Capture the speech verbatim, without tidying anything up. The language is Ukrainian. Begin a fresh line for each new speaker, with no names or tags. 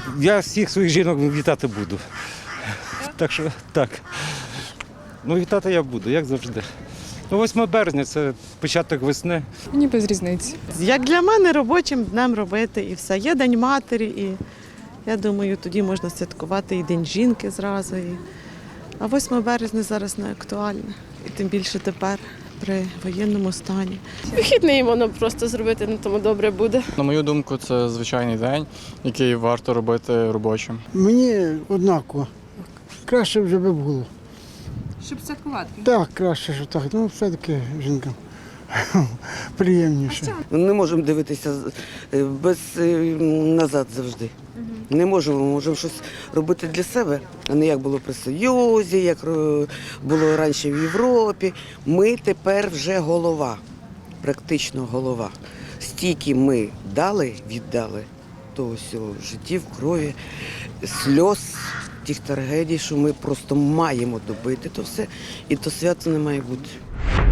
Я всіх своїх жінок вітати буду. Так що так. Ну, вітати я буду, як завжди. Ну, восьме березня – це початок весни.
Мені без різниці.
Як для мене робочим днем робити і все. Є День матері, і я думаю, тоді можна святкувати і День жінки зразу. І... А восьме березня зараз не актуальне. І тим більше тепер при воєнному стані.
Вихідний воно просто зробити, на тому добре буде.
На мою думку, це звичайний день, який варто робити робочим.
Мені однаково. Краще вже би було.
Щоб святкувати.
Так, краще, що так. Ну, все-таки жінкам приємніше.
Не можемо дивитися без назад завжди. Не можемо, можемо щось робити для себе, а не як було при Союзі, як було раніше в Європі. Ми тепер вже голова, практично голова. Стільки ми дали, віддали того всього в житті, в крові, сльоз, тих трагедій, що ми просто маємо добити то все, і то свято не має бути.